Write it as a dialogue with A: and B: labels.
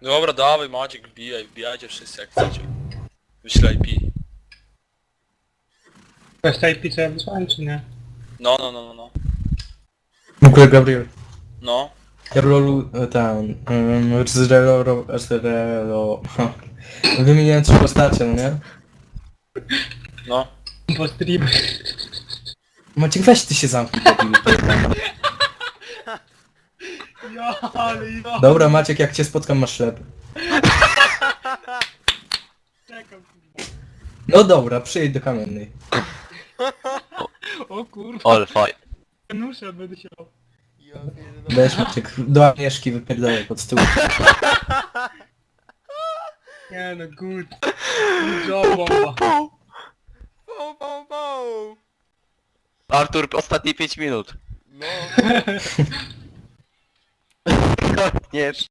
A: Dobra, dawaj Maciek, wbijajcie wszyscy jak chcecie. Wyślę IP.
B: To jest tej pizza wysłałem czy nie?
A: No.
C: W ogóle Gabriel.
A: No.
C: Jarlolu, wymieniłem 3 postacie, no nie?
A: No.
B: Po streamie.
C: Maciek, weź ty się zamknij, debilu.
B: Ja, ale ja.
C: Dobra, Maciek, jak cię spotkam, masz ślep.
B: Czekam, kurwa.
C: No dobra, przyjedź do Kamiennej.
B: O kurwa.
D: All fine.
B: Nuszę będę się...
C: Będziesz, Maciek, do Agnieszki wypierdolę pod stół.
B: Nie no, good. Good job, bomba.
D: Artur, ostatnie 5 minut.
E: No.
D: Nie.